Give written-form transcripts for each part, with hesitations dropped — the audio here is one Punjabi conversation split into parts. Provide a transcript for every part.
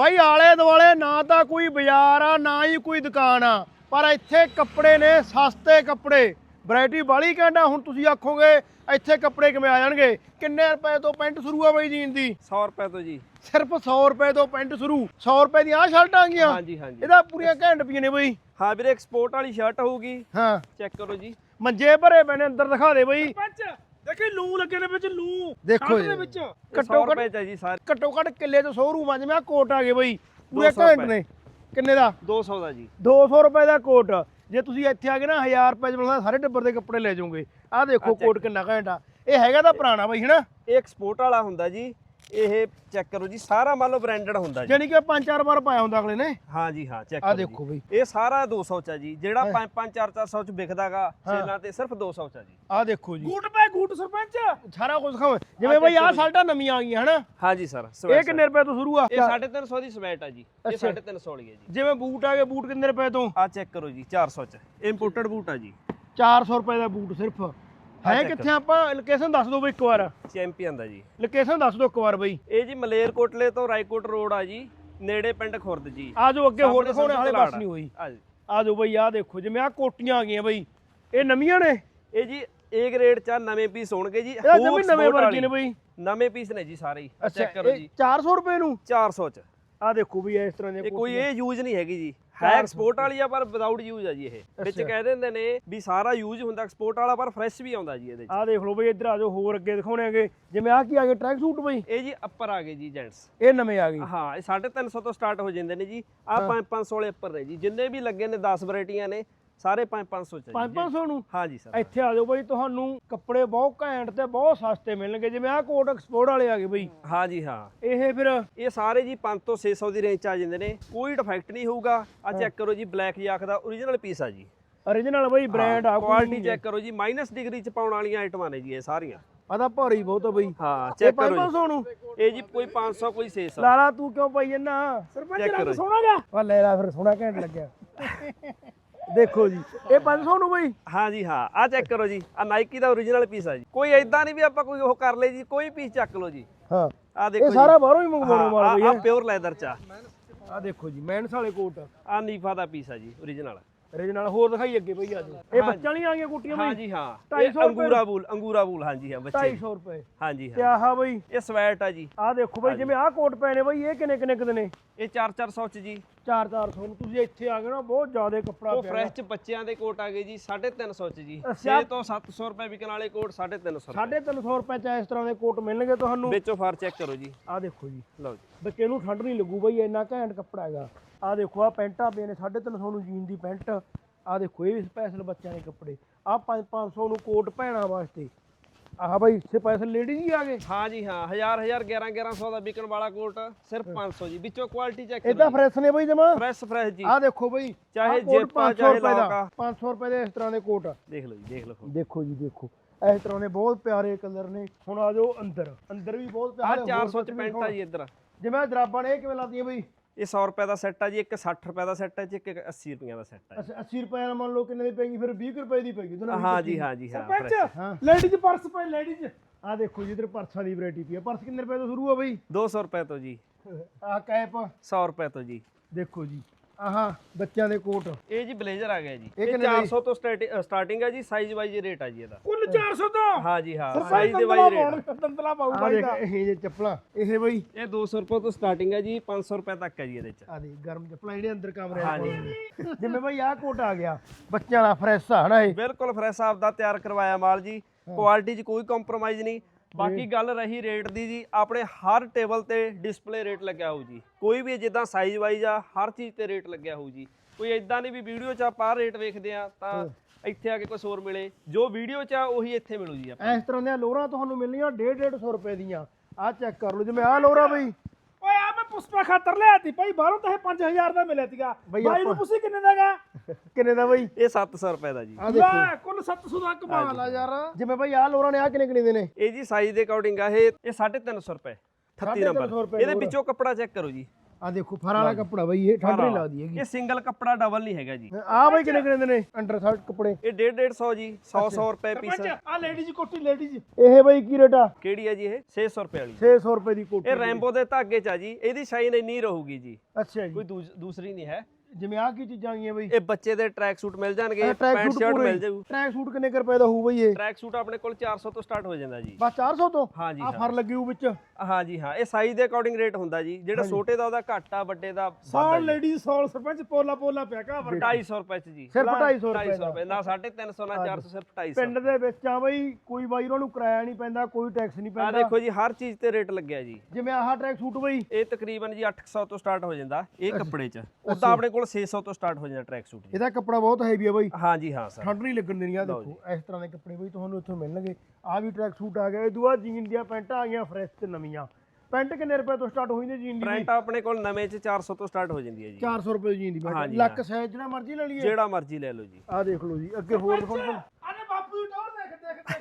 ਬਾਈ ਆਲੇ ਦੁਆਲੇ ਨਾ ਤਾਂ ਕੋਈ ਬਾਜ਼ਾਰ ਆ ਨਾ ਹੀ ਕੋਈ ਦੁਕਾਨ ਆ, ਪਰ ਇੱਥੇ ਕੱਪੜੇ ਨੇ ਸਸਤੇ ਕੱਪੜੇ, ਵੈਰਾਈਟੀ ਬਾਲੀ ਕਹਿੰਦਾ। ਹੁਣ ਤੁਸੀਂ ਆਖੋਗੇ ਇੱਥੇ ਕੱਪੜੇ ਕਿਵੇਂ ਆ ਜਾਣਗੇ? ਕਿੰਨੇ ਰੁਪਏ ਤੋਂ ਪੈਂਟ ਸ਼ੁਰੂ ਆ ਬਾਈ ਜੀਨ ਦੀ? 100 ਰੁਪਏ ਤੋਂ ਜੀ। ਸਿਰਫ 100 ਰੁਪਏ ਤੋਂ ਪੈਂਟ ਸ਼ੁਰੂ। 100 ਰੁਪਏ ਦੀਆਂ ਆਹ ਸ਼ਰਟਾਂ ਆ ਗਈਆਂ? ਹਾਂਜੀ ਹਾਂਜੀ। ਇਹਦਾ ਪੂਰੀਆਂ ਘੈਂਟ ਪਈਆਂ ਨੇ ਬਾਈ। ਹਾਂ ਵੀਰੇ ਐਕਸਪੋਰਟ ਵਾਲੀ ਸ਼ਰਟ ਹੋਊਗੀ। ਹਾਂ ਚੈੱਕ ਕਰੋ ਜੀ। ਮੰਜੇ ਭਰੇ ਪਏ ਨੇ, ਅੰਦਰ ਦਿਖਾ ਦੇ ਬਾਈ। ਦੇਖੀ ਲੂ ਲੱਗੇ ਨੇ ਵਿੱਚ, ਲੂ ਦੇਖੋ ਦੇ ਵਿੱਚ। ਘੱਟੋ ਰੁਪਏ ਚ ਜੀ ਸਾਰੇ। ਘੱਟੋ ਘੱਟ ਕਿੱਲੇ ਤੋਂ ਸ਼ੋਰੂਮ ਆ। ਜਿਵੇਂ ਆਹ ਕੋਟ ਆ ਗਏ ਬਾਈ, ਪੂਰੇ 200 ਘੈਂਟ ਰੁਪਏ। ਨੇ। ਕਿੰਨੇ ਦਾ? 200 ਦਾ ਜੀ। 200 ਰੁਪਏ ਦਾ ਕੋਟ। ਜੇ ਤੁਸੀਂ ਇੱਥੇ ਆ ਗਏ ਨਾ 1000 ਰੁਪਏ ਚ ਮਿਲਦਾ ਸਾਰੇ ਟੱਬਰ ਦੇ ਕੱਪੜੇ ਲੈ ਜਾਓਗੇ। ਆਹ ਦੇਖੋ ਕੋਟ ਕਿੰਨਾ ਘੈਂਟ ਆ। ਇਹ ਹੈਗਾ ਤਾਂ ਪੁਰਾਣਾ ਬਾਈ ਹਨਾ? ਇਹ ਐਕਸਪੋਰਟ ਵਾਲਾ ਹੁੰਦਾ ਜੀ। ਇਹ ਚੈੱਕ ਕਰੋ ਜੀ, ਸਾਰਾ ਮੰਨ ਲਓ ਬ੍ਰਾਂਡਡ ਹੁੰਦਾ ਜੀ। ਯਾਨੀ ਕਿ 5-4 ਵਾਰ ਪਾਇਆ ਹੁੰਦਾ ਅਗਲੇ ਨੇ। ਹਾਂ ਜੀ ਹਾਂ, ਚੈੱਕ ਆਹ ਕਰੋ ਦੇਖੋ ਜੀ। ਬਈ ਇਹ ਸਾਰਾ 200 ਚ ਆ ਜੀ। ਜਿਹੜਾ 5-5 400 ਚ ਵਿਕਦਾਗਾ ਸੇਲਾਂ ਤੇ ਸਿਰਫ 200 ਚ ਆ ਜੀ। ਆਹ ਦੇਖੋ ਜੀ ਗੂਟ ਪੈ ਗੂਟ ਸਰਪੰਚ। ਸਾਰਾ ਕੁਝ ਦਿਖਾਓ। ਜਿਵੇਂ ਬਾਈ ਆਹ ਸ਼ਰਟਾਂ ਨਵੀਆਂ ਆ ਗਈਆਂ ਹਨਾ? ਹਾਂ ਜੀ ਸਰ। ਇਹ ਕਿੰਨੇ ਰੁਪਏ ਤੋਂ ਸ਼ੁਰੂ ਆ? ਇਹ 350 ਦੀ ਸਵੈਟ ਆ ਜੀ। ਇਹ 350 ਵਾਲੀ ਹੈ ਜੀ। ਜਿਵੇਂ ਬੂਟ ਆ ਗਏ, ਬੂਟ ਕਿੰਨੇ ਰੁਪਏ ਤੋਂ? ਆਹ ਚੈੱਕ ਕਰੋ ਜੀ, 400 ਚ ਇੰਪੋਰਟਡ ਬੂਟ ਆ ਜੀ। 400 ਰੁਪਏ ਦਾ ਬੂਟ ਸਿਰਫ। ਹੈ ਕਿੱਥੇ? ਆਪਾਂ ਲੋਕੇਸ਼ਨ ਦੱਸ ਦਿਓ ਬਈ ਇੱਕ ਵਾਰ। ਚੈਂਪੀਅਨ ਦਾ ਜੀ। ਲੋਕੇਸ਼ਨ ਦੱਸ ਦਿਓ ਇੱਕ ਵਾਰ ਬਈ। ਇਹ ਜੀ ਮਲੇਰਕੋਟਲੇ ਤੋਂ ਰਾਏਕੋਟ ਰੋਡ ਆ ਜੀ, ਨੇੜੇ ਪਿੰਡ ਖੁਰਦ ਜੀ। ਆ ਜਾਓ ਅੱਗੇ, ਹੋਰ ਸਾਹਮਣੇ ਦਿਖਾਉਣੇ ਵਾਲੇ ਸੰਧੂ ਬਸ ਨਹੀਂ ਹੋਈ। ਆ ਜੀ। ਆ ਜਾਓ ਬਈ, ਆਹ ਦੇਖੋ ਜਿਵੇਂ ਆਹ ਕੋਟੀਆਂ ਆ ਗਈਆਂ ਬਈ, ਇਹ ਨਵੀਆਂ ਨੇ? ਇਹ ਜੀ A ਗ੍ਰੇਡ ਚ ਨਵੇਂ ਪੀਸ ਹੋਣਗੇ ਜੀ। ਇਹਦਾ ਜਮੀ ਨਵੇਂ ਵਰਗੇ ਨੇ ਬਈ। ਨਵੇਂ ਪੀਸ ਨੇ ਜੀ ਸਾਰੇ ਹੀ। ਚੈੱਕ ਕਰੋ ਜੀ। 400 ਰੁਪਏ ਨੂੰ 400 ਚ। ਆਹ ਦੇਖੋ ਵੀ ਇਸ ਤਰ੍ਹਾਂ ਦੇ ਇਹ ਕੋਈ ਇਹ ਯੂਜ਼ ਨਹੀਂ ਹੈਗੀ ਜੀ। ਹੈ ਐਕਸਪੋਰਟ ਵਾਲੀ ਆ ਪਰ ਵਿਦਆਊਟ ਯੂਜ਼ ਆ ਜੀ। ਇਹ ਵਿੱਚ ਕਹਿ ਦਿੰਦੇ ਨੇ ਵੀ ਸਾਰਾ ਯੂਜ਼ ਹੁੰਦਾ ਐਕਸਪੋਰਟ ਵਾਲਾ, ਪਰ ਫਰੈਸ਼ ਵੀ ਆਉਂਦਾ ਜੀ ਇਹਦੇ ਚ। ਆਹ ਦੇਖ ਲਓ ਬਈ, ਇੱਧਰ ਆ ਜਾਓ, ਹੋਰ ਅੱਗੇ ਦਿਖਾਉਣੇ ਆਗੇ। ਜਿਵੇਂ ਆਹ ਕੀ ਆ ਗਏ, ਟਰੈਕ ਸੂਟ ਬਈ? ਇਹ ਜੀ ਅੱਪਰ ਆ ਗਏ ਜੀ ਜੈਂਟਸ। ਇਹ ਨਵੇਂ ਆ ਗਏ। ਹਾਂ, ਇਹ 350 ਤੋਂ ਸਟਾਰਟ ਹੋ ਜਾਂਦੇ ਨੇ ਜੀ। ਆਹ 500 ਵਾਲੇ ਅੱਪਰ ਨੇ ਜੀ। ਜਿੰਨੇ ਵੀ ਲੱਗੇ ਨੇ 10 ਵੈਰਾਈਟੀਆਂ ਨੇ, ਸਾਰੇ 500 ਚ। 500 ਨੂੰ? ਹਾਂ ਜੀ ਸਰ। ਇੱਥੇ ਆ ਜਾਓ ਬਈ, ਤੁਹਾਨੂੰ ਕੱਪੜੇ ਬਹੁਤ ਘੈਂਟ ਤੇ ਬਹੁਤ ਸਸਤੇ ਮਿਲਣਗੇ। ਜਿਵੇਂ ਆਹ ਕੋਟ ਐਕਸਪੋਰਟ ਵਾਲੇ ਆ ਗਏ ਬਈ। ਹਾਂ ਜੀ ਹਾਂ। ਇਹ ਫਿਰ ਇਹ ਸਾਰੇ ਜੀ 500 ਤੋਂ 600 ਦੀ ਰੇਂਜ ਚ ਆ ਜਾਂਦੇ ਨੇ। ਕੋਈ ਡਿਫੈਕਟ ਨਹੀਂ ਹੋਊਗਾ। ਆ ਚੈੱਕ ਕਰੋ ਜੀ, ਬਲੈਕ ਜਾਕ ਦਾ ਓਰੀਜਨਲ ਪੀਸ ਆ ਜੀ। origignal ਬਈ, ਬ੍ਰਾਂਡ ਆ। ਕੁਆਲਿਟੀ ਚੈੱਕ ਕਰੋ ਜੀ। ਮਾਈਨਸ ਡਿਗਰੀ ਚ ਪਾਉਣ ਵਾਲੀਆਂ ਆਈਟਮਾਂ ਨੇ ਜੀ ਇਹ ਸਾਰੀਆਂ। ਆਦਾ ਭਾਰੀ ਬਹੁਤ ਆ ਬਈ। ਹਾਂ ਇਹ ਚੈੱਕ ਕਰੋ 500 ਨੂੰ? ਇਹ ਜੀ ਕੋਈ 500 ਕੋਈ 600। ਲਾਲਾ ਤੂੰ ਕਿਉਂ ਪਾਈ ਜੰਨਾ? ਸਰਪੰਚ ਚੈੱਕ ਕਰੋ ਰੰਗ ਜੀ। ਸੋਹਣਾ ਗਾ। ਵਾ ਲੈ ਲਾ ਫਿਰ, ਸੋਹਣਾ ਘੈਂਟ ਲੱਗਿਆ। ਦੇਖੋ ਜੀ, ਇਹ 500 ਨੂੰ ਬਈ? ਹਾਂ ਜੀ ਹਾਂ। ਆ ਚੈੱਕ ਕਰੋ ਜੀ, ਆ ਨਾਈਕੀ ਦਾ ਓਰੀਜਨਲ ਪੀਸ ਆ ਜੀ। ਕੋਈ ਐਦਾਂ ਨਹੀਂ ਵੀ ਆਪਾਂ ਕੋਈ ਉਹ ਕਰ ਲਏ ਜੀ, ਕੋਈ ਪੀਸ ਚੱਕ ਲਓ ਜੀ। ਹਾਂ, ਆ ਦੇਖੋ ਇਹ ਜੀ, ਸਾਰਾ ਬਾਹਰੋਂ ਹੀ ਮੰਗਵਾਉਣੇ ਵਾਲਾ ਬਈ। ਆ ਪਿਓਰ ਲੈਦਰ ਚ ਆ। ਆਹ ਦੇਖੋ ਜੀ, ਮੈਨਸ ਵਾਲੇ ਕੋਟ ਆ ਨੀਫਾ ਦਾ ਪੀਸ ਆ ਜੀ ਓਰੀਜਨਲ। origignal। ਹੋਰ ਦਿਖਾਈ ਅੱਗੇ ਬਈ। ਆ ਜਾਓ, ਇਹ ਬੱਚਿਆਂ ਵਾਲੀਆਂ ਆ ਗਈਆਂ ਕੋਟੀਆਂ ਹਾਂ ਬਈ? ਜੀ ਹਾਂ। 250 ਇਹ ਅੰਗੂਰਾ ਬੂਲ ਹਾਂ ਜੀ ਹਾਂ ਬੱਚੇ। 250 ਰੁਪਏ। ਹਾਂ ਜੀ ਤੇ ਹਾਂ। ਆਹ ਬਈ? ਇਹ ਸਵੈਟ ਆ ਜੀ। ਆਹ ਦੇਖੋ ਬਈ, ਜਿਵੇਂ ਆਹ ਕੋਟ ਪਏ ਨੇ ਬਈ, ਇਹ ਕਿੰਨੇ ਕਿੰਨੇ ਕੁ ਦੇ ਨੇ? ਇਹ 400 ਚ ਜੀ। 400 ਨੂੰ। ਤੁਸੀਂ ਇੱਥੇ ਆ ਗਏ ਨਾ, ਬਹੁਤ ਜ਼ਿਆਦਾ ਕੱਪੜਾ ਉਹ ਪਿਆ। ਫਰੈਸ਼ ਚ ਬੱਚਿਆਂ ਦੇ ਕੋਟ ਆ ਗਏ ਜੀ 350 ਚ ਜੀ। ਅੱਛਾ। 6 ਤੋਂ 700 ਰੁਪਏ ਵਿਕਣ ਵਾਲੇ ਕੋਟ 350 350 ਰੁਪਏ ਚ ਇਸ ਤਰ੍ਹਾਂ ਦੇ ਕੋਟ ਮਿਲਣਗੇ ਤੁਹਾਨੂੰ। ਵਿੱਚੋਂ ਫਾਰ ਚੈੱਕ ਕਰੋ ਜੀ। ਆਹ ਦੇਖੋ ਜੀ, ਲਓ ਜੀ। ਬੱਚੇ ਨੂੰ ਠੰਡ ਨਹੀਂ ਲੱਗੂ ਬਈ, ਇੰਨਾ ਘੈਂਟ ਕੱਪੜਾ ਹੈਗਾ। ਆਹ ਦੇਖੋ, ਆਹ ਪੈਂਟਾਂ ਪਈਆਂ ਨੇ 350 ਨੂੰ ਜੀਨ ਦੀ ਪੈਂਟ। ਆਹ ਦੇਖੋ, ਇਹ ਵੀ ਸਪੈਸ਼ਲ ਬੱਚਿਆਂ ਦੇ ਕੱਪੜੇ। ਆਹ 500 ਨੂੰ ਕੋਟ ਭੈਣਾਂ ਵਾਸਤੇ। ਆਹ ਬਈ ਸਪੈਸ਼ਲ ਲੇਡੀਜ਼ ਹੀ ਆ ਗਏ। ਹਾਂ ਜੀ ਹਾਂ। 1100 ਦਾ ਵਿਕਣ ਵਾਲਾ ਕੋਟ ਸਿਰਫ 500 ਜੀ। ਵਿੱਚੋਂ ਕੁਆਲਿਟੀ ਚੈੱਕ ਇਹ ਤਾਂ ਫਰੈਸ਼ ਨੇ ਬਈ ਜਮਾ। ਫਰੈਸ਼ ਜੀ। ਆਹ ਦੇਖੋ ਬਈ, ਚਾਹੇ ਆਹ ਕੋਟ ਜਿੱਪ ਆ, 500 ਚਾਹੇ ਰੁਪਏ ਦਾ। ਲੌਕ ਆ। 500 ਰੁਪਏ ਦੇ ਇਸ ਤਰ੍ਹਾਂ ਦੇ ਕੋਟ। ਦੇਖ ਲਓ ਜੀ, ਦੇਖ ਲਓ। ਦੇਖੋ ਜੀ, ਦੇਖੋ ਇਸ ਤਰ੍ਹਾਂ ਦੇ ਬਹੁਤ ਪਿਆਰੇ ਕਲਰ ਨੇ। ਹੁਣ ਆ ਜਾਓ ਅੰਦਰ। ਅੰਦਰ ਵੀ ਬਹੁਤ ਆਹ ਪਿਆਰੇ। 400 ਚ ਪੈਂਟ ਆ ਜੀ ਇੱਧਰ। ਜਿਵੇਂ ਜਰਾਬਾਂ ਨੇ, ਇਹ ਕਿਵੇਂ ਲਾਦੀਆਂ ਬਈ? ਇਹ 100 ਰੁਪਏ ਦਾ ਸੈੱਟ ਆ ਜੀ। ਇੱਕ 60 ਰੁਪਏ ਦਾ ਸੈੱਟ ਹੈ ਜੀ, ਇੱਕ 80 ਰੁਪਏ ਦਾ ਸੈੱਟ ਹੈ। ਅੱਛਾ, 80 ਰੁਪਏ ਨਾਲ ਮੰਨ ਲਓ ਕਿੰਨੇ ਦੀ ਪੈਗੀ? ਫਿਰ 20 ਰੁਪਏ ਦੀ ਪੈਗੀ। ਹਾਂ ਜੀ ਹਾਂ ਜੀ ਹਾਂ। ਸਰਪੰਚ ਹਾਂ। ਲੇਡੀਜ਼ ਪਰਸ ਪਏ, ਲੇਡੀਜ਼। ਆਹ ਦੇਖੋ ਜੀ, ਇਧਰ ਪਰਸਾਂ ਦੀ ਵੈਰਾਈਟੀ ਪਈ ਆ। ਪਰਸ ਕਿੰਨੇ ਰੁਪਏ ਤੋਂ ਸ਼ੁਰੂ ਆ ਬਈ? 200 ਰੁਪਏ ਤੋਂ ਜੀ। ਆਹ ਕੈਪ 100 ਰੁਪਏ ਤੋਂ ਜੀ। ਦੇਖੋ ਜੀ, ਆਹ ਬੱਚਿਆਂ ਦੇ ਕੋਟ। ਇਹ ਜੀ ਬਲੇਜ਼ਰ ਆ ਗਿਆ ਜੀ। ਇਹ ਇਹ ਕਿੰਨੇ ਦਾ ਜੀ? 400 ਤੋਂ ਸਟਾਰਟਿੰਗ ਹੈ ਜੀ। ਸਾਈਜ਼ ਵਾਈਜ਼ ਰੇਟ ਆ ਜੀ ਇਹਦਾ। ਕੁੱਲ 400 ਤੋਂ। ਹਾਂ ਜੀ ਹਾਂ। ਸਰਪੰਚ ਸਾਈਜ਼ ਦੇ ਦੰਦਲਾ ਵਾਈਜ਼ ਰੇਟ। ਪਾਉਣ, ਦੰਦਲਾ ਪਾਉ ਆਹ ਬਾਈ ਦੇਖ, ਦਾ। ਇਹ ਜੇ ਚੱਪਲਾਂ, ਇਹ ਬਈ ਇਹ 200 ਰੁਪਏ ਤੋਂ ਸਟਾਰਟਿੰਗ ਹੈ ਜੀ। 500 ਰੁਪਏ ਤੱਕ ਹੈ ਜੀ ਇਹਦੇ ਚ। ਆਹ ਦੇ ਗਰਮ ਚੱਪਲਾਂ ਜਿਹੜੇ ਅੰਦਰ ਕਮਰੇ ਹਾਂ ਜੀ। ਜਿਵੇਂ ਬਈ ਆਹ ਕੋਟ ਆ ਗਿਆ ਬੱਚਿਆਂ ਦਾ, ਫਰੈਸ਼ ਆ ਹਨਾ ਇਹ? ਬਿਲਕੁਲ ਫਰੈਸ਼ ਆਪ ਦਾ ਤਿਆਰ ਕਰਵਾਇਆ ਮਾਲ ਜੀ। ਕੁਆਲਿਟੀ 'ਚ ਕੋਈ ਕੰਪਰੋਮਾਈਜ਼ ਨਹੀਂ। ਬਾਕੀ ਗੱਲ ਰਹੀ ਰੇਟ ਦੀ ਜੀ, ਆਪਣੇ ਹਰ ਟੇਬਲ ਤੇ ਡਿਸਪਲੇ ਰੇਟ ਲੱਗਿਆ ਹੋਊ ਜੀ। ਕੋਈ ਵੀ ਜਿੱਦਾਂ ਸਾਈਜ਼ ਵਾਈਜ਼ ਆ, ਹਰ ਚੀਜ਼ ਤੇ ਰੇਟ ਲੱਗਿਆ ਹੋਊ ਜੀ। ਕੋਈ ਇਦਾਂ ਨਹੀਂ ਵੀ ਵੀਡੀਓ 'ਚ ਆਪਾਂ ਰੇਟ ਵੇਖਦੇ ਆ ਤਾਂ ਇੱਥੇ ਆ ਕੇ ਕੁਝ ਹੋਰ ਮਿਲੇ। ਜੋ ਵੀਡੀਓ 'ਚ ਆ ਉਹੀ ਇੱਥੇ ਮਿਲੂ ਜੀ ਆਪਾਂ। ਇਸ ਤਰ੍ਹਾਂ ਦੀਆਂ ਲੋਰਾਂ ਤੁਹਾਨੂੰ ਮਿਲਣੀਆਂ 150 ਰੁਪਏ ਦੀਆਂ। ਆਹ ਚੈੱਕ ਕਰ ਲਓ, ਜਿਵੇਂ ਆਹ ਲੋਰਾ ਬਈ। ਓਏ ਆ ਮੈਂ ਪੁਸਪਾ ਖਾਤਰ ਲਿਆ ਤੀ ਭਾਈ, ਬਾਹਰੋਂ ਤਾਂ ਇਹ 5000 ਦਾ ਮਿਲਿਆ ਸੀਗਾ। ਬਈ ਬਾਈ ਨੂੰ ਆਪਾਂ- ਪੁੱਛੀ ਕਿੰਨੇ ਦਾਗਾ? ਕਿੰਨੇ ਦਾ ਬਈ? ਇਹ 700 ਰੁਪਏ ਦਾ ਜੀ। ਆਹ ਦੇਖੋ, ਲੈ ਕੁੱਲ 700 ਦਾ ਕਮਾਲ ਆ ਯਾਰ। ਜਿਵੇਂ ਬਈ ਆਹ ਲੋਰਾਂ ਨੇ ਆਹ ਕਿੰਨੇ ਕਿੰਨੇ ਦੇ ਨੇ? ਇਹ ਜੀ ਸਾਈਜ਼ ਦੇ ਅਕੋਰਡਿੰਗ ਆ। ਇਹ 350 ਰੁਪਏ 38 350 ਨੰਬਰ। ਰੁਪਏ ਇਹਦੇ ਲੋਰ। ਵਿੱਚੋਂ ਕੱਪੜਾ ਚੈੱਕ ਕਰੋ ਜੀ। ਆ ਦੇਖੋ ਫਰ ਵਾਲਾ ਕੱਪੜਾ ਬਈ, ਇਹ ਠੰਡ ਨਹੀਂ ਲੱਗਦੀ ਹੈਗੀ। ਇਹ ਸਿੰਗਲ ਕੱਪੜਾ ਡਬਲ ਨਹੀਂ ਹੈਗਾ ਜੀ। ਆ ਬਈ ਕਿੰਨੇ ਕਿੰਨੇ ਦੇ ਨੇ ਅੰਡਰ ਸ਼ਰਟ ਕੱਪੜੇ? ਇਹ 150 ਜੀ, 100 ਰੁਪਏ ਪੀਸ। ਆ ਲੇਡੀਜ਼ ਕੋਟੀ ਲੇਡੀਜ਼ ਇਹ ਬਈ ਕੀ ਰੇਟ ਆ? ਕਿਹੜੀ ਹੈ ਜੀ ਇਹ? 600 ਰੁਪਏ ਵਾਲੀ। 600 ਰੁਪਏ ਦੀ ਕੋਟੀ। ਇਹ ਰੈਂਬੋ ਦੇ ਧਾਗੇ ਚ ਆ ਜੀ, ਇਹਦੀ ਸ਼ਾਈਨ ਇੰਨੀ ਰਹੂਗੀ ਜੀ, ਅੱਛਾ ਜੀ। ਕੋਈ ਦੂਸਰੀ ਨਹੀਂ ਹੈ। ਜਿਵੇਂ ਆ ਕੀ ਚੀਜ਼ਾਂ ਆਈਆਂ ਬਈ? ਇਹ ਬੱਚੇ ਦੇ ਟਰੈਕ ਸੂਟ ਮਿਲ ਜਾਣਗੇ, ਪੈਂਟ ਸ਼ਰਟ ਮਿਲ ਜਾਊ। ਟਰੈਕ ਸੂਟ ਕਿੰਨੇ ਕੁ ਰੁਪਏ ਦਾ ਹੋਊ ਬਈ ਇਹ? ਟਰੈਕ ਸੂਟ ਆਪਣੇ ਕੋਲ 400 ਤੋਂ ਸਟਾਰਟ ਹੋ ਜਾਂਦਾ ਜੀ। ਬਸ 400 ਤੋਂ? ਹਾਂਜੀ ਆ ਫਰ ਲੱਗੀ ਹੋਊ ਵਿੱਚ? ਹਾਂਜੀ ਹਾਂ, ਇਹ ਸਾਈਜ਼ ਦੇ ਅਕੋਰਡਿੰਗ ਰੇਟ ਹੁੰਦਾ ਜੀ। ਜਿਹੜਾ ਛੋਟੇ ਦਾ ਉਹਦਾ ਘੱਟ ਆ, ਵੱਡੇ ਦਾ ਸਾਲ ਲੇਡੀਜ਼ ਸਾਲ ਸਰਪੰਚ ਪੋਲਾ ਪਿਆ ਕਾ 250 ਰੁਪਏ ਚ ਜੀ। ਸਿਰਫ 250 ਰੁਪਏ ਦਾ? ਰੁਪਏ ਨਾ 350 ਨਾ 400, ਸਿਰਫ 250। ਪਿੰਡ ਦੇ ਵਿੱਚ ਆ ਬਈ ਕੋਈ ਬਾਈ ਉਹਨਾਂ ਨੂੰ ਕਿਰਾਇਆ ਨਹੀਂ ਪੈਂਦਾ, ਕੋਈ ਟੈਕਸ ਨਹੀਂ ਆ ਪੈਂਦਾ। ਦੇਖੋ ਜੀ, ਹਰ ਚੀਜ਼ ਤੇ ਰੇਟ ਲੱਗਿਆ ਜੀ। ਜਿਵੇਂ ਆਹ ਟਰੈਕ ਸੂਟ ਬਈ ਇਹ ਤਕਰੀਬਨ ਜੀ 800 ਤੋਂ ਸਟਾਰਟ ਹੋ ਜਾਂਦਾ ਇਹ ਕੱਪੜੇ ਚ। ਉਦਾਂ ਆਪਣੇ ਕੋਲ 600 ਤੋਂ ਸਟਾਰਟ ਹੋ ਜਾਂਦਾ ਟਰੈਕ ਸੂਟ ਜੀ। ਇਹਦਾ ਕੱਪੜਾ ਬਹੁਤ ਹੈਵੀ ਆ ਬਈ। ਹਾਂਜੀ ਹਾਂ ਸਰ, ਠੰਡ ਨਹੀਂ ਲੱਗਣ ਦੇਣੀ। ਆ ਦੇਖੋ ਇਸ ਤਰ੍ਹਾਂ ਦੇ ਕੱਪੜੇ ਬਈ ਤੁਹਾਨੂੰ ਇੱਥੋਂ ਮਿਲਣਗੇ। ਆ ਵੀ ਟਰੈਕ ਸੂਟ ਆ ਗਿਆ। ਇਹ ਦੂਆ ਜੀਨ ਦੀਆਂ ਪੈਂਟਾਂ ਆ ਗਈਆਂ ਫਰੈਸ਼ ਤੇ ਨਵੀਆਂ। ਪੈਂਟ ਕਿੰਨੇ ਰੁਪਏ ਤੋਂ ਸਟਾਰਟ ਹੋਈ ਨੇ ਜੀਨ ਦੀ? ਪ੍ਰਿੰਟ ਆਪਣੇ ਕੋਲ ਨਵੇਂ ਚ 400 ਤੋਂ ਸਟਾਰਟ ਹੋ ਜਾਂਦੀ ਹੈ ਜੀ। 400 ਰੁਪਏ ਦੀ ਜੀਨ ਦੀ ਪੈਂਟ। ਲੱਕ ਸਾਈਜ਼ ਜਿਹੜਾ ਮਰਜ਼ੀ ਲੈ ਲਈਏ? ਜਿਹੜਾ ਮਰਜ਼ੀ ਲੈ ਲਓ ਜੀ। ਆ ਦੇਖ ਲਓ ਜੀ, ਅੱਗੇ ਹੋਰ ਦਿਖਾਓ। ਆਨੇ ਬਾਪੂ ਦੀ ਟੌਰ ਦੇਖ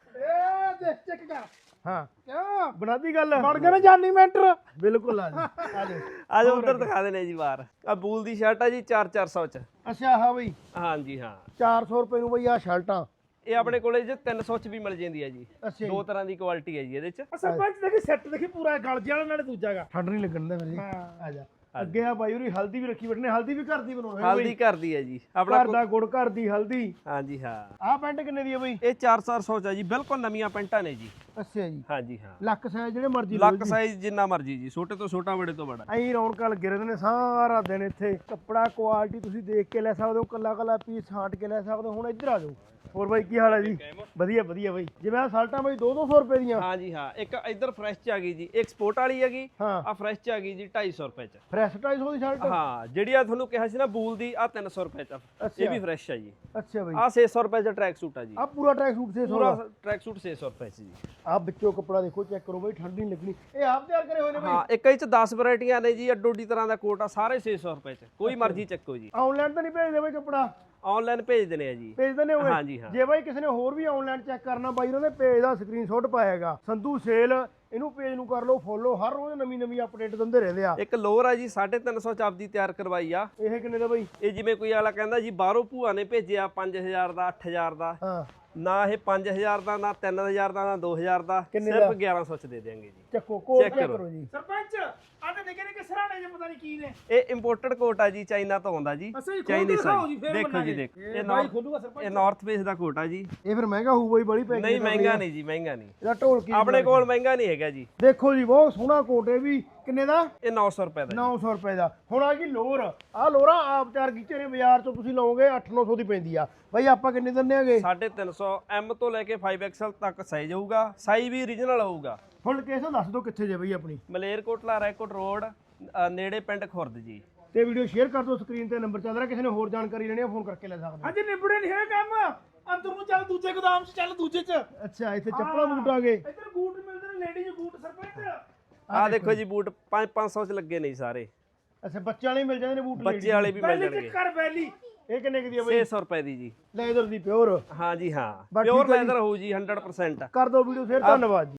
ਇਹ ਦੇਖ ਚੈੱਕ ਕਰ। ਹਾਂ ਕਿਉਂ ਬਣਾਦੀ ਗੱਲ ਬਣ ਗਏ ਨਾ ਜਾਨੀ ਮੈਂਟਰ। ਬਿਲਕੁਲ ਆ ਜੀ। ਆ ਦੇ ਅੱਜ ਉਧਰ ਦਿਖਾ ਦੇਣੇ ਜੀ ਬਾਹਰ। ਆ ਬੂਲ ਦੀ ਸ਼ਰਟ ਆ ਜੀ 400 ਚ। ਅੱਛਾ ਹਾਂ ਬਈ ਹਾਂਜੀ ਹਾਂ, 400 ਰੁਪਏ ਨੂੰ ਬਈ ਆ ਸ਼ਰਟਾਂ। ਇਹ ਆਪਣੇ ਕੋਲੇ ਜੀ 300 ਚ ਵੀ ਮਿਲ ਜਾਂਦੀ ਹੈ ਜੀ। ਅੱਛਾ ਦੋ ਤਰ੍ਹਾਂ ਦੀ ਕੁਆਲਿਟੀ ਹੈ ਜੀ ਇਹਦੇ ਚ। ਸਰਪੰਚ ਦੇਖੀ ਸੈੱਟ ਦੇਖੀ ਪੂਰਾ ਗਲ ਜਿਹਾ ਨਾਲੇ ਦੂਜਾ ਗਾ। ਠੰਡ ਨਹੀਂ ਲੱਗਣ ਦਾ ਮੇਰੇ। ਹਾਂ। ਆ ਜਾ ਅੱਗੇ ਆ ਬਾਈ ਹੋਰੀ ਹਲਦੀ ਵੀ ਰੱਖੀ ਬੈਠਨੇ। ਹਲਦੀ ਵੀ ਘਰ ਦੀ ਬਣਾਉਣੀ ਹੈ ਹਲਦੀ ਘਰ ਦੀ ਹੈ ਜੀ ਆਪਣਾ। ਘਰ ਦਾ ਗੁੜ, ਘਰ ਦੀ ਹਲਦੀ। ਹਾਂਜੀ ਹਾਂ, ਆਹ ਪੈਂਟ ਕਿੰਨੇ ਦੀ ਹੈ ਬਈ? ਇਹ 400 ਚ ਆ ਜੀ, ਬਿਲਕੁਲ ਨਵੀਆਂ ਪੈਂਟਾਂ ਨੇ ਜੀ। ਅੱਛਾ ਜੀ। ਹਾਂਜੀ ਹਾਂ, ਲੱਕ ਸਾਈਜ਼ ਜਿਹੜੇ ਮਰਜ਼ੀ ਲਓ ਲੱਕ ਸਾਈਜ਼ ਜਿੰਨਾ ਮਰਜੀ ਜੀ, ਛੋਟੇ ਤੋਂ ਛੋਟਾ, ਬੜੇ ਤੋਂ ਬੜਾ। ਐਂ ਰੌਣਕਾਂ ਲੱਗੇ ਰਹਿੰਦੇ ਨੇ ਸਾਰਾ ਦਿਨ ਇੱਥੇ। ਕੱਪੜਾ ਕੁਆਲਿਟੀ ਤੁਸੀਂ ਦੇਖ ਕੇ ਲੈ ਸਕਦੇ ਹੋ, ਕੱਲਾ ਕੱਲਾ ਪੀਸ ਛਾਂਟ ਕੇ ਲੈ ਸਕਦੇ ਹੋ। ਹੁਣ ਇੱਧਰ ਆ ਜਾਓ। ਹੋਰ ਬਾਈ ਕੀ ਹਾਲ ਹੈ ਜੀ? ਵਧੀਆ ਵਧੀਆ ਬਾਈ। ਜਿਵੇਂ ਆ ਸ਼ਰਟਾਂ ਬਾਈ 200 ਰੁਪਏ ਦੀਆਂ। ਹਾਂਜੀ ਹਾਂ, ਇੱਕ ਇੱਧਰ ਫਰੈਸ਼ ਚ ਆ ਗਈ ਜੀ, ਇੱਕ ਸਪੋਰਟ ਵਾਲੀ ਹੈਗੀ। ਹਾਂ ਆ ਫਰੈਸ਼ ਚ ਆ ਗਈ ਜੀ 250 ਰੁਪਏ ਚ। ਫਰੈਸ਼ 250 ਦੀ ਸ਼ਰਟ? ਹਾਂ, ਜਿਹੜੀ ਆ ਤੁਹਾਨੂੰ ਕਿਹਾ ਸੀ ਨਾ ਬੂਲ ਦੀ, ਆ 300 ਰੁਪਏ ਚ। ਇਹ ਵੀ ਫਰੈਸ਼ ਆ ਜੀ। ਅੱਛਾ ਬਾਈ। ਆ 600 ਰੁਪਏ ਦਾ ਟਰੈਕ ਸੂਟ ਆ ਜੀ। ਆ ਪੂਰਾ ਟਰੈਕ ਸੂਟ 600 ਪੂਰਾ ਦਾ? ਟਰੈਕ ਸੂਟ 600 ਰੁਪਏ ਚ ਜੀ। ਆ ਵਿੱਚੋਂ ਕੱਪੜਾ ਦੇਖੋ, ਚੈੱਕ ਕਰੋ ਬਾਈ, ਠੰਡ ਨਹੀਂ ਲੱਗਣੀ। ਇਹ ਆਪ ਤਿਆਰ ਕਰੇ ਹੋਏ ਨੇ ਬਾਈ? ਹਾਂ, ਇੱਕ ਇਹ ਚ 10 ਵੈਰਾਈਟੀਆਂ ਨੇ ਜੀ, ਅੱਡੋ ਅੱਡੀ ਤਰ੍ਹਾਂ ਦਾ ਕੋਟ ਆ, ਸਾਰੇ 600 ਰੁਪਏ ਚ। ਕੋਈ ਮਰਜ਼ੀ ਚੱਕੋ ਜੀ। ਆਨਲਾਈਨ ਤਾਂ ਨਹੀਂ ਭੇਜਦੇ ਬਾਈ ਕੱਪੜਾ? ਆਨਲਾਈਨ ਭੇਜ ਦਿੰਦੇ ਆ ਜੀ। ਭੇਜ ਦਿੰਦੇ ਹੋਗੇ? ਹਾਂਜੀ ਹਾਂ। ਜੇ ਬਾਈ ਕਿਸੇ ਨੇ ਹੋਰ ਵੀ ਆਨਲਾਈਨ ਚੈੱਕ ਕਰਨਾ, ਬਾਈ ਉਹਨਾਂ ਦੇ ਪੇਜ ਦਾ ਸਕਰੀਨਸ਼ਾਟ ਪਾਏਗਾ, ਸੰਧੂ ਸੇਲ। ਇਹਨੂੰ ਪੇਜ ਨੂੰ ਕਰ ਲਓ ਫੋਲੋ, ਹਰ ਰੋਜ਼ ਨਵੀਂ ਅਪਡੇਟ ਦਿੰਦੇ ਰਹਿੰਦੇ ਆ। ਇੱਕ ਲੋਅਰ ਆ ਜੀ 350 ਚ ਆਪਦੀ ਤਿਆਰ ਕਰਵਾਈ ਆ। ਇਹ ਕਿੰਨੇ ਦਾ ਬਾਈ? ਇਹ ਜਿਵੇਂ ਕੋਈ ਵਾਲਾ ਕਹਿੰਦਾ ਜੀ ਬਾਹਰੋਂ ਭੂਆ ਨੇ ਭੇਜਿਆ 5000 ਦਾ, 8000 ਦਾ। ਹਾਂ ਨਾ ਇਹ 5000 ਦਾ, ਨਾ 3000 ਦਾ, ਨਾ 2000 ਦਾ, ਕਿੰਨੇ ਸਿਰਫ ਦਾ? 1100 ਚ ਦੇ ਦੇਾਂਗੇ ਜੀ। ਚੱਕੋ ਕੋਡ Check ਚੈੱਕ ਕਰੋ। ਕਰੋ ਜੀ। ਸਰਪੰਚ ਆਨੇ ਨਿੱਕੇ ਸਰਾਣੇ ਜੇ ਪਤਾ ਨਹੀਂ ਕੀ ਨੇ। ਇਹ ਇੰਪੋਰਟਡ ਕੋਟ ਆ ਜੀ, ਚਾਈਨਾ ਤੋਂ ਆਉਂਦਾ ਜੀ। ਅੱਛਾ ਜੀ, ਖੋਲ ਕੇ ਚਾਈਨੀਜ਼ ਦਿਖਾਓ ਜੀ, ਫੇਰ ਦੇਖੋ ਜੀ, ਮੰਨਾਂਗੇ। ਦੇਖੋ ਇਹ ਬਾਈ ਖੋਲੂਗਾ ਸਰਪੰਚ। ਇਹ ਨਾਰਥ ਫੇਸ ਦਾ ਕੋਟ ਆ ਜੀ। ਇਹ ਫਿਰ ਮਹਿੰਗਾ ਹੋਊ ਬਾਈ, ਬੜੀ ਪੈਕਿੰਗ? ਨਹੀਂ ਮਹਿੰਗਾ ਨਹੀਂ ਜੀ, ਮਹਿੰਗਾ ਨਹੀਂ। ਇਹਦਾ ਢੋਲਕੀ ਆਪਣੇ ਕੋਲ ਮਹਿੰਗਾ ਨਹੀਂ ਹੈਗਾ ਜੀ। ਦੇਖੋ ਜੀ, ਬਹੁਤ ਸੋਹਣਾ ਕੋਟ। ਇਹ ਵੀ ਕਿੰਨੇ ਦਾ? ਇਹ 900 ਰੁਪਏ ਦਾ 900 ਰੁਪਏ ਦਾ। ਹੁਣ ਆ ਗਈ ਲੋਰ। ਆ ਲੋਰਾਂ ਆਪ ਤਿਆਰ ਕੀਤੇ ਨੇ, ਬਾਜ਼ਾਰ ਚੋਂ ਤੁਸੀਂ ਲਓਗੇ 800-900 ਦੀ ਪੈਂਦੀ ਆ। ਬਾਈ ਆਪਾਂ ਕਿੰਨੇ ਦਿੰਦੇ ਆਗੇ? 350 M ਤੋਂ ਲੈ ਕੇ 5XL ਤੱਕ ਸਾਈਜ਼ ਹੋਊਗਾ। ਸਾਈਜ਼ ਵੀ ਓਰੀਜਨਲ ਹੋਊਗਾ। ਹੁਣ ਲੋਕੇਸ਼ਨ ਦੱਸ ਦਿਓ ਕਿੱਥੇ ਜੇ ਬਾਈ ਆਪਣੀ? ਮਲੇਰਕੋਟਲਾ ਰੈਕੋਟ ਰੋਡ, ਨੇੜੇ ਪਿੰਡ ਖੁਰਦ ਜੀ। ਤੇ ਵੀਡੀਓ ਸ਼ੇਅਰ ਕਰ ਦਿਓ, ਸਕਰੀਨ ਤੇ ਨੰਬਰ ਚੱਲ ਰਿਹਾ। ਕਿਸੇ ਨੇ ਹੋਰ ਜਾਣਕਾਰੀ ਲੈਣੀ ਆ, ਫੋਨ ਕਰਕੇ ਲੈ ਸਕਦੇ ਅਜੇ ਨਿਬੜੇ ਨਹੀਂ ਹੈ ਕੰਮ। ਅੰਦਰ ਨੂੰ ਚੱਲ ਦੂਜੇ ਗੋਦਾਮ 'ਚ, ਚੱਲ ਦੂਜੇ 'ਚ। ਹੋ। ਅੱਛਾ, ਇੱਥੇ ਚੱਪਲਾਂ ਬੂਟ ਆ ਗਏ। ਇੱਧਰ ਬੂਟ ਮਿਲਦੇ ਨੇ, ਲੇਡੀਜ਼ ਬੂਟ ਸਰਪੰਚ। ਆਹ ਦੇਖੋ ਜੀ, ਬੂਟ 500 ਚ ਲੱਗੇ ਨੇ ਜੀ ਸਾਰੇ। ਅੱਛਾ, ਬੱਚਿਆਂ ਵਾਲੇ ਮਿਲ ਜਾਂਦੇ ਨੇ ਬੂਟ? ਬੱਚੇ ਵਾਲੇ ਵੀ ਮਿਲ ਬੈਲੀ ਜਾਣਗੇ। ਚੈੱਕ ਕਰ ਬੈਲੀ। ਇਹ ਕਿੰਨੇ ਕੁ ਦੀ ਆ ਬਾਈ? 600 ਰੁਪਏ ਦੀ ਜੀ। ਲੈਦਰ ਦੀ ਪਿਓਰ? ਹਾਂ ਜੀ ਹਾਂ, ਬਸ ਪਿਓਰ ਠੀਕ ਹੈ ਜੀ। ਲੈਦਰ ਹੋਊ ਜੀ 100%। ਕਰ ਦਿਓ ਵੀਡੀਓ ਸ਼ੇਅਰ। ਧੰਨਵਾਦ ਜੀ।